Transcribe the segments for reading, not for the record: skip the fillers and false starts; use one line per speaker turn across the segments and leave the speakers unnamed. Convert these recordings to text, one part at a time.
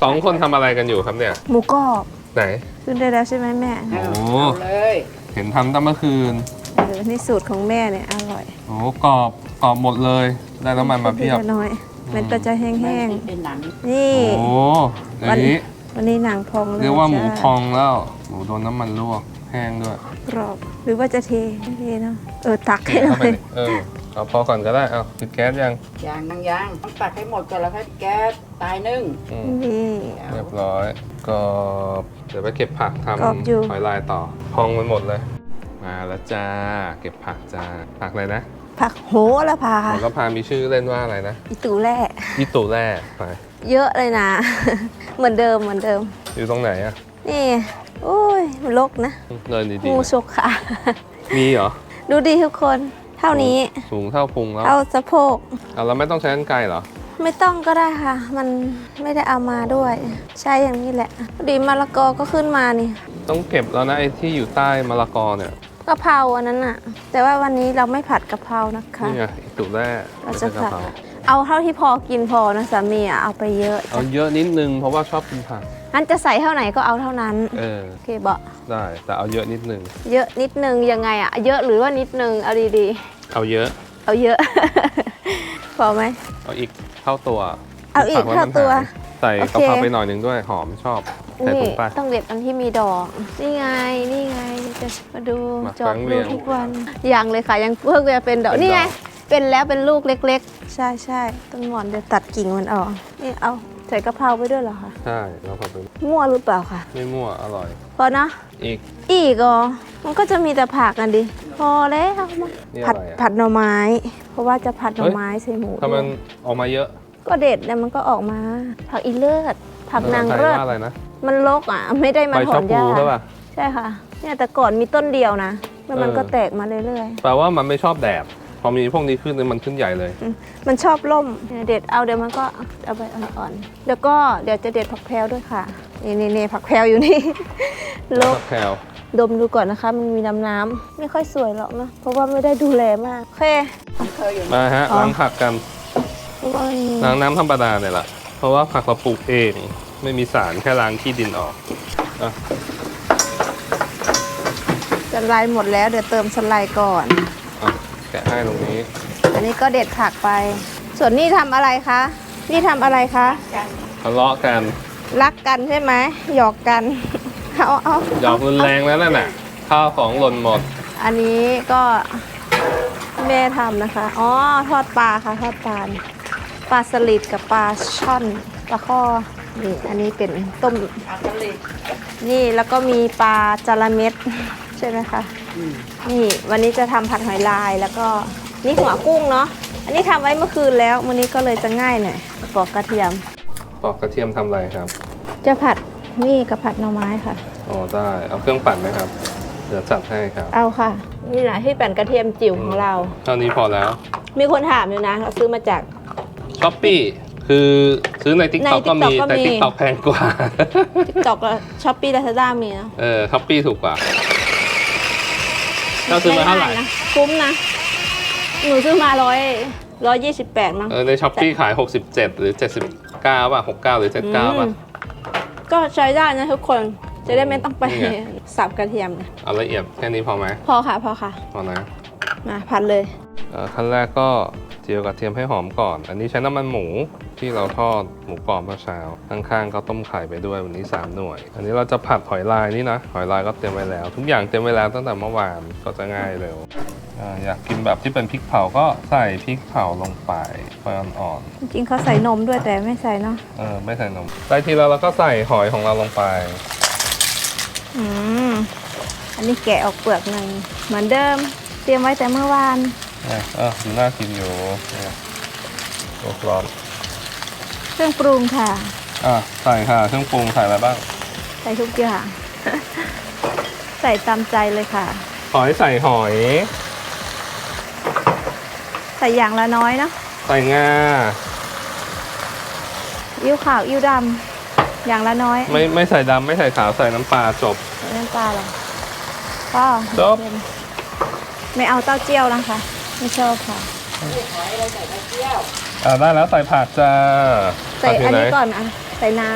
2 คนทำอะไรกันอยู่ครับเนี่ย
หมูกรอบ
ไหน
ขึ้นได้แล้วใช่ไหมแม่
โอ้
เอาเลย
เห็นทำตั้งเมื่อคืน
นี่สูตรของแม่เนี่ยอร่อย
โอ้กรอบหมดเลย ได้น้ำมันมาเพียบ
ขึ้นน้อยมันก็จะแห้ง
เป็นหนัง
ๆนี่
โอ้อย่างนี้
วันนี้หนังพองเลย
เรียกว่าหมูพ
จ้
องแล้ว หมูโดนน้ำมันลวกแห้งด้วย
กรอบหรือว่าจะเทไม่เทเนาะตัก
เท
ให้หน่
เข้า
อ
ไป
ย
ดิเอาพอก่อนก็ได้ เอาปิดแก๊สยัง
ยางต้องตักให้หมดก่อนแล้วค่อยแก๊สตายนึ่ง
อืม
นี่
เรียบร้อยก็เดี๋ยวไปเก็บผักท
กรอบอยู่
ำหอยลายต่อ พองไปหมดเลย มาแล้วจ้า เก็บผักจ้า ผักอะไรนะ
ผักโหระพา
โหระพามีชื่อเล่นว่าอะไรนะ
อีตูแร่
ยี่ตู่แร่ไป
เยอะเลยนะ เหมือนเดิม
อยู่ตรงไหนอะ
นี่โอ้ยรกนะ
เดินดี
งู
ๆ
ฉกขา
มีเหรอ
ดูดีทุกคน เท่านี้
สูงเท่าพุงแล้ว
เท่าสะโพก
เอาแล้วไม่ต้องใช้กรรไกรเหรอ
ไม่ต้องก็ได้ค่ะ มันไม่ได้เอามาด้วย ใช้อย่างนี้แหละพอดีมะละกอก็ขึ้นมานี่
ต้องเก็บแล้วนะไอ้ที่อยู่ใต้มะละกอเนี่ย
กะเพราอันนั้นอะแต่ว่าวันนี้เราไม่ผัดกะเพรานะคะ
นี่ไงอีตู่แร่
เราจะ
ไม่ใช่
ผัด
กะเพรา
เอาเท่าที่พอกินพอนะสามีอะเอาไปเยอะ
เอาเยอะนิดนึงเพราะว่าชอบกินผัก
งั้นจะใส่เท่าไหนก็เอาเท่านั้น
เออ
โอเคบอก
ได้แต่เอาเยอะนิดนึง
เยอะนิดนึงยังไงอะเยอะหรือว่านิดนึงเอาดี
เอาเยอะ
ๆ เอาเยอะ พอไหม
เอาอีกเท่าตัว
เอาอีก
ผัไ
เท่าตัว
ใส่
โอเค
กะเพราไปหน่อยหนึงด้วยหอมชอบใส่
นี่
ถุงไป
ต้องเด็ดอันที่มีดอก นี่ไงจะมาดู
มา
จอ
ครั้
ด
งเรี
ดู
ยง
ทุกวันยังเลยค่ะยังเพิ่งจะเป็นดอก
เป็นดอก
นี่ไงเป็นแล้วเป็นลูกเล็กๆ ใช่ต้นหมอนเดี๋ยวตัดกิ่งมันออกนี่เอาใส่กะเพราไปด้วยเหรอคะ
ใช่แล้วพอไป
มั่วหรือเปล่าคะ
ไม่มั่วอร่อย
พอนะ
อีก
อีกอ๋อมันก็จะมีแต่ผักกันดิพอแล้วมา
นี่
ผัด
อะไรอะ
ผัดหน่อไม้ เพราะว่าจะผัดหน่อไม้ใส่หมู
ถ้ามัน
ด้วย
ออกมาเยอะ
ก็เด็ดแล้วมันก็ออกมา ผักอีเลิศผักนาง
ภษไทย
เลิศ
ว่าอะไรนะ
มันรกอ่ะ ไม่ได้มา
ใบ
ถอ
ชะ
น
พู
หญ้า
ใช่ป่ะ
ใช่ค่ะเนี่ยแต่ก่อนมีต้นเดียวนะแล้วมัน
เออ
ก็แตกมาเรื่อย
แปลว่ามันไม่ชอบแดดพอมีพวกนี้ขึ้นมันขึ้นใหญ่เลย
ๆมันชอบล่มเนี่ยเด็ดเอาเดี๋ยวมันก็เอาไปอ่อนๆแล้วก็เดี๋ยวจะเด็ดผักแพรวด้วยค่ะนี่ผักแพรวอยู่นี่ ลก
แคล
ดมดูก่อนนะคะ มันมีน้ำไม่ค่อยสวยหรอกนะเพราะว่าไม่ได้ดูแลมากโอเค
เคยอยู่
มาฮะ
อ๋อ
ล้างผักกัน
เพราะว่ามันมี
ล้างน้ำธรรมดาเนี่ยแหละเพราะว่าผักเราปลูกเอง ไม่มีสารแค่ล้างขี้ดินออกอ่ะ
สไลด์หมดแล้วเดี๋ยวเติมสไลด์ก่อน
อ่ะแกะให้ตรงนี้
อันนี้ก็เด็ดผักไป ส่วนนี่ทำอะไรคะนี่ทำอะไรคะ
ทะเลาะกัน
รักกันใช่ไหมหยอกกัน เอา
หยอกรุนแรงแล้วนั่นน่ะข้าวของหล่นหมด
อันนี้ก็แม่ทำนะคะอ๋อทอดปลาค่ะทอดปลาเนี่ยปลาสลิดกับปลาช่อนปลาข้อนี่อันนี้เป็นต้ม
อาตลิด
นี่แล้วก็มีปลาจาระเม็ด ใช่ไหมคะนี่วันนี้จะทำผัดหอยลายแล้วก็นี่หัวกุ้งเนาะอันนี้ทำไว้เมื่อคืนแล้ววันนี้ก็เลยจะง่ายหน่อยปอกกระเทียม
ปอกกระเทียมทำอะไรครับ
จะผัดนี่กับผัดหน่อไม้ค่ะ
อ๋อได้ เอาเครื่องปั่นไหมครับ เดี๋ยวจัดให้ครับ
เอาค่ะ นี่แหละที่เป็นกระเทียมจิ๋วของเรา
เท่านี้พอแล้ว
มีคนถามอยู่นะ เราซื้อมาจาก
ช้อปปี้คือซื้อใน t ิ k กต็อก
ใน
ก็มี
TikTok ก็
แต่
มี
t ิ k กต็อกแพงกว่า
TikTok กับ Shopee Lazada มีนะ
ช้อปปี้ถูกกว่าเราซื้อมาเท่าไหร่
ด้นะคุ้มนะ หนูซื้อมา128มั้ง
ในช้อปปี้ขาย 67 หรือ 79 ป่ะ 69 หรือ 79 ป่ะ
ก็ใช้ได้นะทุกคน จะได้ไม่ต้องไป
นี่ไง
สับกระเทียมนะ
เอาละเอียดแค่นี้พอไหม
พอค่ะพอค่ะ
พอนะ
มาผัดเลย
ขั้นแรกก็เจียวกระเทียมให้หอมก่อน อันนี้ใช้น้ำมันหมูที่เราทอดหมูกรอบเมื่อเช้า ข้างๆก็ต้มไข่ไปด้วยวันนี้ 3 หน่วย อันนี้เราจะผัดหอยลายนี่นะ หอยลายก็เตรียมไว้แล้ว ทุกอย่างเตรียมไว้แล้วตั้งแต่เมื่อวานก็จะง่ายเร็วอยากกินแบบที่เป็นพริกเผาก็ใส่พริกเผาลงไปไฟอ่อน
จริงๆเขาใส่นมด้วยแต่ไม่ใส่เนาะ
ๆไม่ใส่นมได้ทีแล้วเราก็ใส่หอยของเราลงไป
อันนี้แกะออกเปลือกหนึ่งเหมือนเดิม เตรียมไว้แต่เมื่อวาน
ดูน่ากินอยู่เนี่ยตัวกรอบ
เครื่องปรุงค่ะ
ใส่ค่ะเครื่องปรุงใส่อะไรบ้าง
ใส่ทุกอย่าง ใส่ตามใจเลยค่ะ
หอยใส่หอย
ใส่อย่างละน้อยเนาะ
ใส่งา
อิ้วขาวอิ้วดำอย่างละน้อย
ไม่ใส่ดำไม่ใส่ขาวใส่น้ำปลาจบ
ใส่น้ำปลาเหรอก็
จบ
ไม่เอาเต้าเจี้ยวนะคะ ไม่ชอบค่ะ
หอยเราใส่กระเทียม
ได้แล้วใส่ผักจ้า
ใส่
ผักยู่
อัน
ไห
นี้ก่อนอ่ะ ใส่น้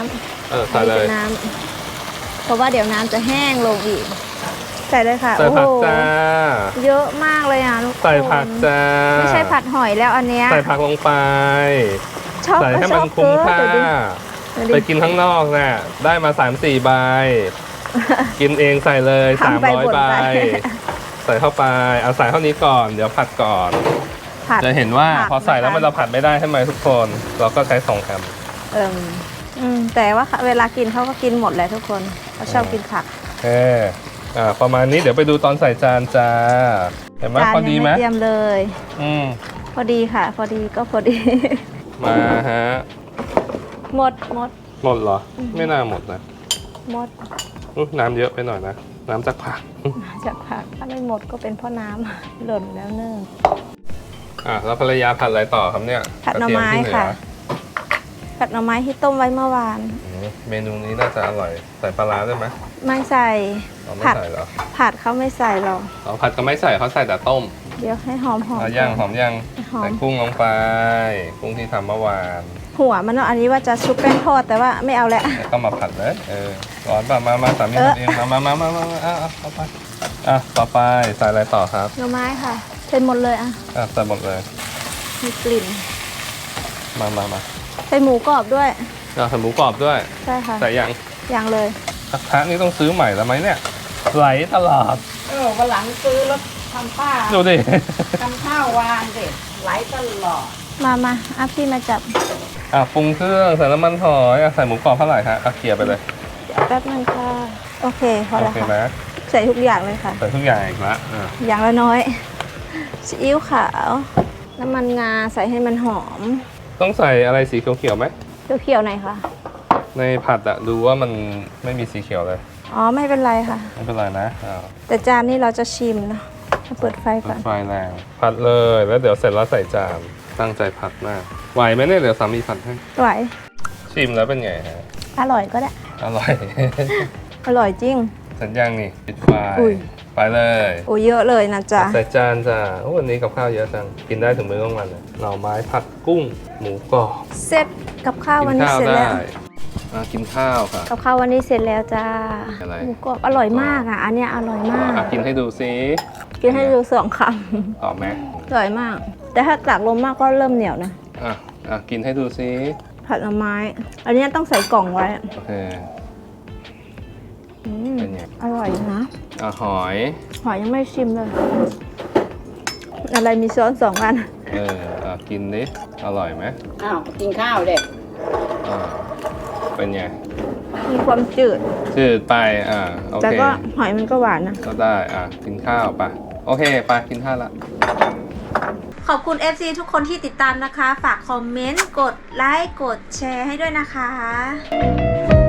ใส่เลย
อันนี้เป็นน้ำเพราะว่าเดี๋ยวน้ำจะแห้งลงอีก ใส่เลยค่ะ
ใส่ผักจ้า
เยอะมากเลยอ่ะทุกคน
ใส่ผักจ้า
ไม่ใช่ผัดหอยแล้วอันเนี้ย
ใส่ผักลงไป
ชอบ
ใส่ให้
ช
มั
อน บ
คุ้ม
เกิ
ค่า
นดูดิ
ไปกินข้างนอกน่ะได้มา 3-4 ใบ กินเองใส่เลย
ทำไปบ่น
300 ใบ
ไป
ใส่เข้าไปเอาใส่เท่านี้ก่อน เดี๋ยวผัดก่อน
ผัด
จะเห็นว่า
ผัก
พอใส่แล้ว
นะคะ
มันเราผัดไม่ได้ใช่ไหมทุกคน เราก็ใช้2ค
แต่ว่าเวลากินเขาก็กินหมดแหละทุกคนเขาชอบกินผัก
ำประมาณนี้เดี๋ยวไปดูตอนใส่จานจ้า เห็นไหม
จาน
พอดี
ยัง
ไหม
ไม่เตรียมเลย
อืม
พอดีค่ะ พอดีก็พอดี
มาฮะ
หมด
หมดเหรอ ไม่น่าหมดนะ
หมด
น้ำเยอะไปหน่อยนะ น้ำจากผัก
จากผักถ้าไม่หมดก็เป็นเพราะน้ำ หล่นแล้วเนื่อง
แล้วภรรยาผัดอะไรต่อครับเนี่ย
ผัดหน่อไม้
กรเทียที่เหลือ
ค่ะ ผัดหน่อไม้ที่ต้มไว้เมื่อวาน
เมนูนี้น่าจะอร่อย ใส่ปลาร้าได้ไหม
ไม่ใส่
เราไม่
ผัด
ใส่เหรอ
ผัดเขาไม่ใส่หรอก
เราผัดก็ไม่ใส่เขาใส่แต่ต้ม
เดี๋ยวให้หอม
เอาย่างหอมย่าง
หอ
ใส่
ม
กุ้งลงไป กุ้งที่ทำเมื่อวาน
หัวมันเนาะอันนี้ว่าจะชุบแป้งทอดแต่ว่าไม่เอาแล้ว
แล้วก็มาผัดเลยร้อนป่ะมาสามีทำเองมาเอาไปต่อไปใส่อะไรต่อครับ
หน่อไม้ค่ะใส่หมดเลยอ่ะ
ใส่หมดเลย
มีกลิ่น
มา
ใส่หมูกรอบด้วย
ใส่หมูกรอบด้วย
ใช่ค่ะ
ใส่ยัง
อย่างเลย
กระทะนี่ต้องซื้อใหม่แล้วไหมเนี่ยไหลตลอด
วันหลังซื้อแล้วทำป้า
ดูดิ
ทำข้าววางเด็ดไหลตลอด
มาอ่ะพี่มาจับ
ปรุงเครื่องใส่น้ำมันหอยใส่หมูกรอบเท่าไหร่ฮะเคลียร์ไปเลย
เดี๋ยวแป๊บนึงค่ะ โอเคพอ
โอ
แล้ว
เค
ค่ะ
นะ
ใส่ทุกอย่างเลยค่ะ
ใส่ทุกอย่างอีกละ
อย่างละน้อยซีอิ๊วขาว น้ำมันงาใส่ให้มันหอม
ต้องใส่อะไรสีเขียวๆไหม
เขียวๆหน่อยค่ะ
ในผัดดูว่ามันไม่มีสีเขียวเลย
อ๋อไม่เป็นไรค่ะ
ไม่เป็นไรนะ
แต่จานนี้เราจะชิมนะเปิดไฟ
เปิ
ก่อ
ด
น
ไฟแรงผัดเลยแล้วเดี๋ยวเสร็จแล้วใส่จานตั้งใจผัดมากไหวไหมเนี่ยเดี๋ยวสามีผัดให้
ไหว
ชิมแล้วเป็นไงฮะ
อร่อยก็ได้
อร่อย
อร่อยจริง
สัญญาณนี่ปิดไฟ
อุ้ย
ไปเลย
โอ้เยอะเลยนะจ๊ะ
ใส่จานจ้าวันนี้กับข้าวเยอะจังกินได้ถึงมื้อกลางวันเลยหน่อไม้ผัดกุ้งหมูกรอบ
เสร็จกับข้าว
กิ
วัน
น
นี้
ข้าว
เสร็จ
ได้
แล้ว
กินข้าวค่ะ
กับข้าววันนี้เสร็จแล้วจ้า
อะไร
หมูกรอบอร่อยมากอ่ะ อันเนี้ยอร่อยมาก
กินให้ดูซิ
กินให้ดู2 ค
ตอบไหม
ำอร่อยมาก แต่ถ้าตากลมมากก็เริ่มเหนียวนะ
กินให้ดูซิ
ผัดหน่อไม้ อันเนี้ยต้องใส่กล่องไว้
โอเค
อืม
เป็นไง
อร่อยนะ
หอย
หอยยังไม่ชิมเลย อะไรมีช้อน2 อัน
กินดิอร่อยไหม
อ้าวกินข้าวเด็ก
เป็นไง
มีความจืด
จืดไปโอ
แต่
เค
ก็หอยมันก็หวานนะ
ก็ได้กินข้าวไปโอเคไปกินข้าวละ
ขอบคุณ FC ทุกคนที่ติดตามนะคะ ฝากคอมเมนต์ กดไลค์ กดแชร์ให้ด้วยนะคะ